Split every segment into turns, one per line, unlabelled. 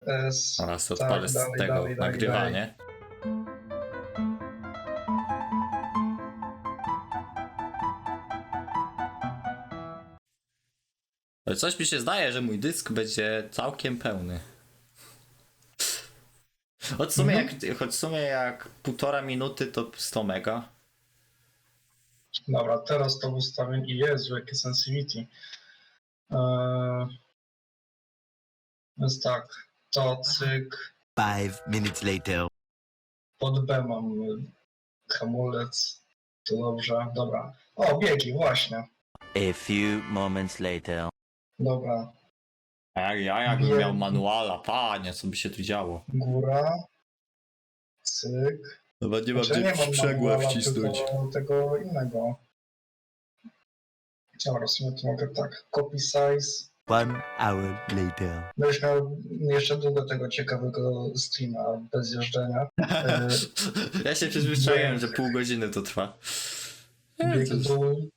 S.
Oraz
Tak,
odpalę z
dalej,
tego
dalej, dalej,
nagrywanie. Ale coś mi się zdaje, że mój dysk będzie całkiem pełny. Choć w sumie jak 1,5 minuty to 100 mega.
Dobra, teraz to ustawię i Jezu, jakie sensitivity. Więc tak, to cyk,
5 minutes later.
pod B mam hamulec, to dobrze, dobra. O, biegi, właśnie,
A few moments later.
dobra.
A jak ja jakbym miał manuala, panie, co by się tu działo?
Góra, cyk.
Chyba nie mam
Znaczy,
gdzie
nie mam
sprzęgła
manuala,
wcisnąć.
tylko tego innego. Dobra, w sumie to mogę tak, copy size.
1 hour later.
Będziesz miał jeszcze długo tego ciekawego streama bez jeżdżenia.
Ja się przyzwyczaiłem, że pół godziny to trwa.
Bieg
Cóż.
dół.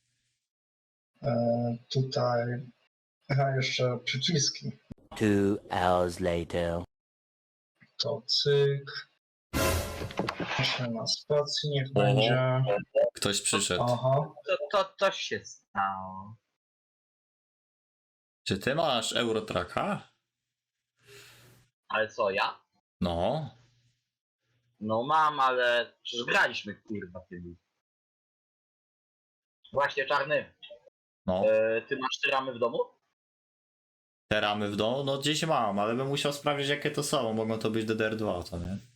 Tutaj. Aha, jeszcze przyciski.
2 hours later.
To cyk. Jeszcze na spacji niech
Oho.
będzie.
Ktoś przyszedł.
Aha.
To się stało.
Czy ty masz Eurotracka?
Ale co, ja?
No.
No mam, ale przecież graliśmy, kurwa, tymi. Właśnie, Czarny,
No.
ty masz te ramy w domu?
Te ramy w domu? No gdzieś mam, ale bym musiał sprawdzić jakie to są. Mogą to być DDR2, to nie?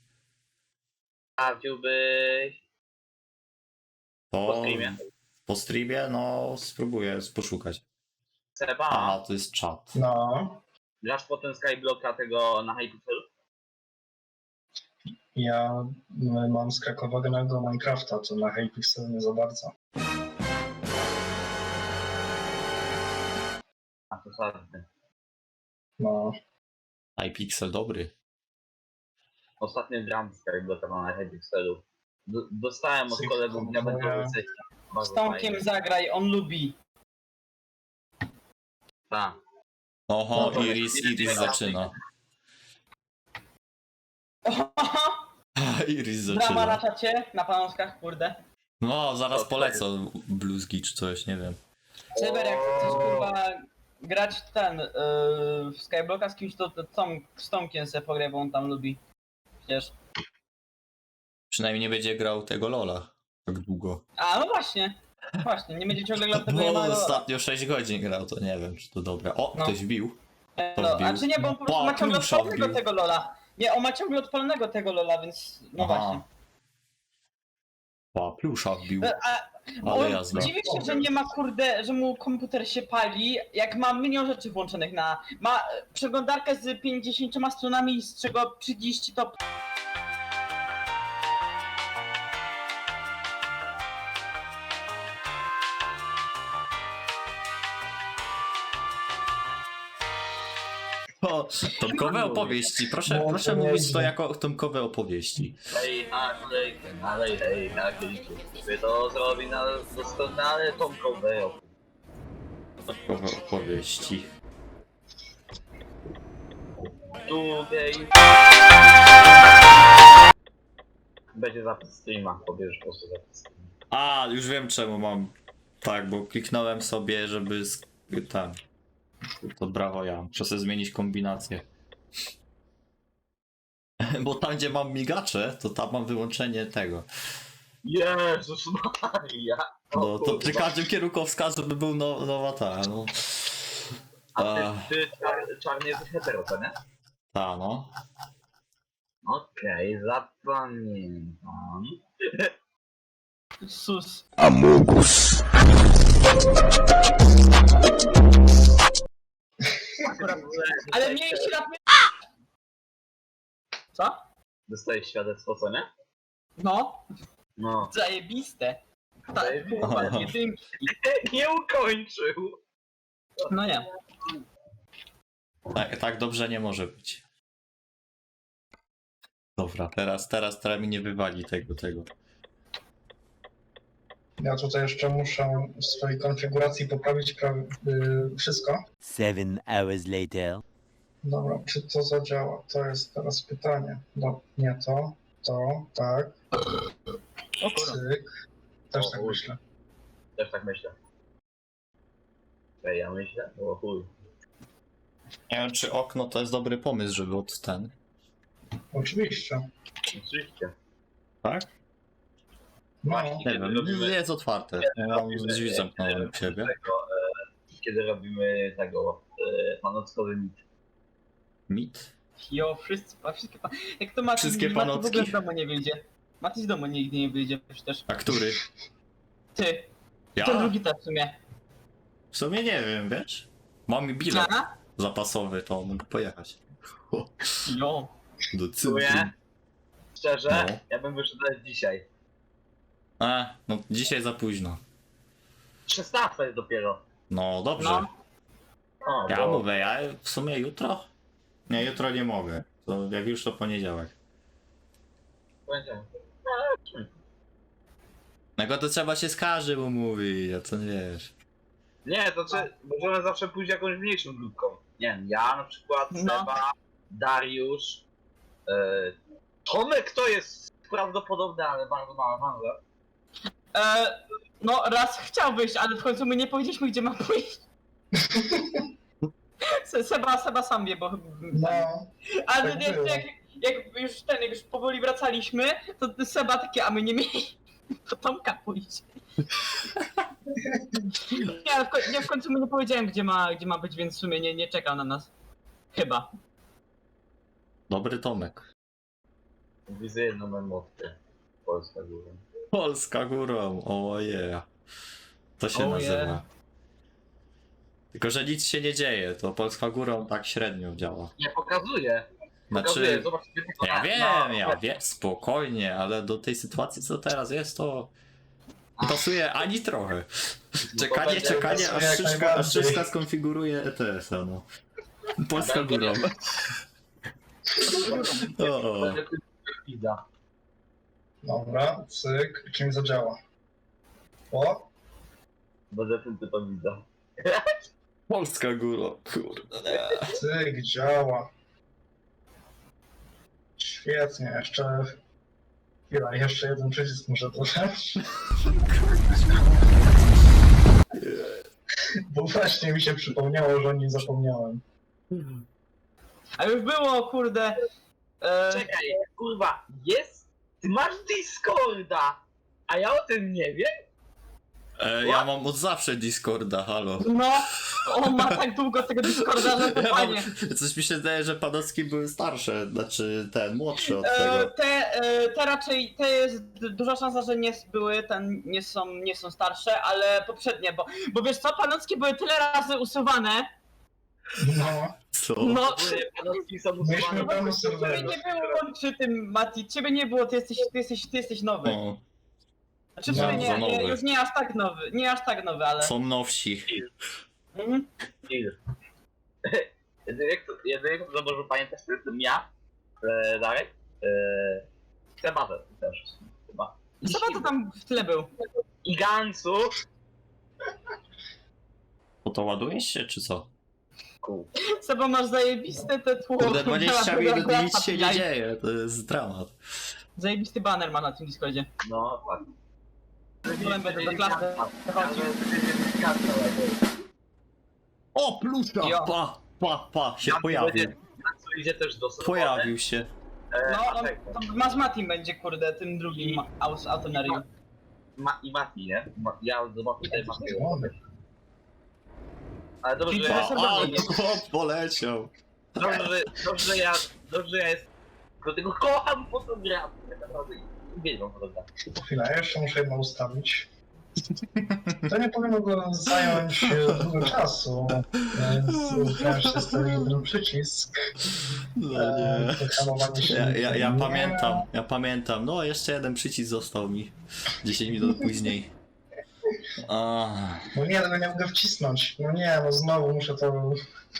Sprawdziłbyś
To
po streamie?
po streamie? No spróbuję poszukać.
Seba,
Aha, to jest czat.
No.
grasz potem Skyblocka tego na Hypixelu?
Ja mam skrakowanego Minecrafta, to na Hypixel nie za bardzo.
A to sadny.
No.
iPixel dobry.
Ostatnio gram Skyblocka na Hypixelu. Dostałem od
Cyk,
kolegów
komputer.
diamentowy sesję.
Z Tomkiem zagraj, on lubi.
Tak.
Oho,
No to
Iris zaczyna. Iris
Drama na
zaczyna.
czacie, na panoskach, kurde.
No, zaraz polecą bluzgi czy coś, nie wiem.
Cyber, jak chcesz kurwa grać w Skyblocka z kimś, to z Tomkiem se pograj, bo on tam lubi. Przecież.
Przynajmniej nie będzie grał tego Lola tak długo.
A, no właśnie. Właśnie, nie będzie ciągle grał tego
Bo
jednego.
ostatnio 6 godzin grał, to nie wiem czy to dobre. O,
No.
ktoś bił.
No,
wbił.
a czy nie, bo on po prostu
Pa,
ma ciągle
plusza
odpalonego
wbił.
tego Lola. Nie, on ma ciągle odpalonego tego Lola, więc no właśnie.
Pa, plusza wbił.
Bo
Ale
on
jazda.
dziwi się, że nie ma kurde, że mu komputer się pali, jak ma milion rzeczy włączonych na... Ma przeglądarkę z 50 stronami, z czego 30 to...
O, tomkowe opowieści. Proszę,
No,
proszę
to
mówić
nieźle.
to jako tomkowe opowieści.
Hej, ale hej, by to zrobi na doskonale tomkowe.
Tomkowe opowieści.
Długiej. Będzie zapis streama, pobierzesz po prostu zapis streama.
A, już wiem czemu mam. Tak, bo kliknąłem sobie, żeby tam. To brawo ja. Muszę sobie zmienić kombinację. Bo tam gdzie mam migacze, to tam mam wyłączenie tego.
Jezus Maria!
No to przy każdym kierunkowskazu by był nowa ta, no.
A ty czarny jesteś hetero, to nie?
Ta, no.
Okej, zapamiętam.
Sus. Ale mieliście na... Co?
Dostajesz świadectwo, co nie?
No,
No.
zajebiste. Tak,
Zajebiste.
kurwa, jedynki.
Nie ukończył!
No nie.
Tak dobrze nie może być. Dobra, teraz mi nie wywali tego.
Ja tutaj jeszcze muszę w swojej konfiguracji poprawić wszystko.
7 hours later.
Dobra, czy to zadziała? To jest teraz pytanie. No, nie to, tak,
O kurwa.
cyk. Też
O,
tak
chuj.
myślę.
Też tak myślę. Ja myślę? O chuj.
Nie wiem, czy okno to jest dobry pomysł, żeby od ten.
Oczywiście.
Oczywiście.
Tak?
No,
Właśnie.
Nie wiem, jest otwarte. Ja mam drzwi zamknąłem u siebie.
Kiedy robimy tego panockowy mit.
Mit?
Jo, wszystkie jak to Mati,
Wszystkie
Mati w ogóle
panocki?
z domu nie wyjdzie. Mati z domu nigdy nie wyjdzie przecież.
A który?
Ty. Ten
Ja?
drugi też w sumie.
W sumie nie wiem, wiesz? Mam bilet
A?
zapasowy, to mogę pojechać. O,
Jo.
do
Czuję.
centrum.
Szczerze,
No.
ja bym wyszedł nawet dzisiaj.
No dzisiaj za późno.
16 jest dopiero.
No dobrze.
No.
O,
Ja
bo-
mówię, ja w sumie jutro? Nie, jutro nie mogę. To jak już to poniedziałek.
Będzie.
No to trzeba się z każdym umówić, a co nie wiesz.
Nie, to możemy zawsze pójść jakąś mniejszą grupką. Nie wiem, ja na przykład,
No.
Seba, Dariusz, Tomek to jest prawdopodobne, ale bardzo mała szansa.
No raz chciał wyjść, ale w końcu my nie powiedzieliśmy gdzie ma pójść. Seba sam wie, bo...
no,
Ale
tak
jak,
było.
jak już powoli wracaliśmy, to Seba takie, a my nie mieli do Tomka pójść. Nie, ale w końcu mu nie powiedziałem gdzie ma być, więc w sumie nie czekał na nas. Chyba.
Dobry Tomek.
Widzę jedną emotkę. Polska górą.
Polska górą, oje. To się
Oh
nazywa.
yeah.
Tylko, że nic się nie dzieje, to Polska górą tak średnio działa.
Nie, pokazuje. Pokazuje,
Znaczy,
zobacz.
ja wiem, spokojnie, ale do tej sytuacji co teraz jest, to nie pasuje ani trochę. Czekanie,
pasuje
aż
jak
Szyszka,
najbardziej.
skonfiguruje ETS-a, no. Polska górą. O,
Pizza.
dobra, cyk, czym zadziała? O,
Będę tym typem widza.
Polska górą, kurde.
cyk, działa. Świetnie, jeszcze... Chwila, jeszcze jeden przycisk muszę dodać. Bo właśnie mi się przypomniało, że o nim zapomniałem.
A już było, kurde.
Czekaj, kurwa, jest? Ty masz Discorda, a ja o tym nie wiem?
Ja mam od zawsze Discorda, halo.
No, on ma tak długo tego Discorda, że to
Ja
fajnie.
coś mi się zdaje, że Panocki były starsze, znaczy ten, młodszy od tego.
Te raczej, te jest duża szansa, że nie są starsze, ale poprzednie, bo wiesz co, Panockie były tyle razy usuwane,
No,
Co?
no,
Panocki są
Myśmy
usuwane.
pełno
ciebie
serwerów.
nie było przy tym, Mati, ciebie nie było, ty jesteś nowy.
No,
Znaczy,
No,
nie,
za nowy.
już nie aż tak nowy, ale...
są nowsi.
Mhm.
Jedynie kto może pamiętać, to jestem ja, Darek, Seba też chyba.
Chyba to tam w tyle był.
I Gansu.
Bo to ładujesz się, czy co?
Seba, masz zajebiste te tło.
Kurde, 20 minut
Dobra,
nic się nie
jaj.
dzieje, to jest dramat.
Zajebisty banner ma na tym Discordzie.
No tak.
Potem będę do klasy chodził.
O, plusza!
Jo.
Pa, się pojawił.
Gansu idzie też do serwera.
Pojawił się.
No, to ma z Matim będzie, kurde, tym drugim autonarium.
I Mati, nie? Ja zobaczę tutaj Matiego. Ale dobrze,
Czyli
że
to
ja,
jest-
A, chłop poleciał.
dobrze ja jest. Dlatego kocham fotografię. Tak naprawdę uwielbiam fotografię.
Chwila, jeszcze muszę jedno ustawić. To nie powinno go zająć dużo czasu, więc wreszcie stoi ten przycisk.
No nie.
To hamowanie się
Ja
nie-
pamiętam. No, jeszcze jeden przycisk został mi 10 minut później. A,
No nie, tego nie mogę wcisnąć. No nie, no znowu muszę to...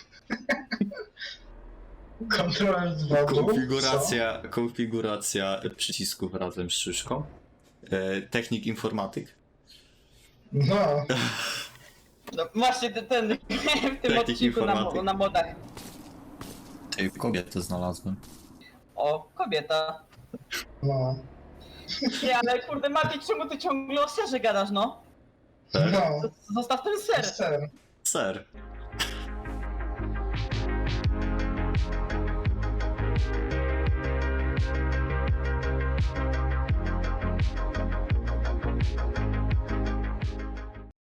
Ctrl 2 dół,
konfiguracja przycisków razem z szyszką. Technik informatyk.
co? No,
No, właśnie ten w tym
Technik
odcinku
informatyk.
na modach.
Tej kobiety znalazłem.
O, kobieta.
No.
Nie, ale kurde, Mati, czemu ty ciągle o serze gadasz, no?
No.
Zostaw ten ser.
Ser.
Ser.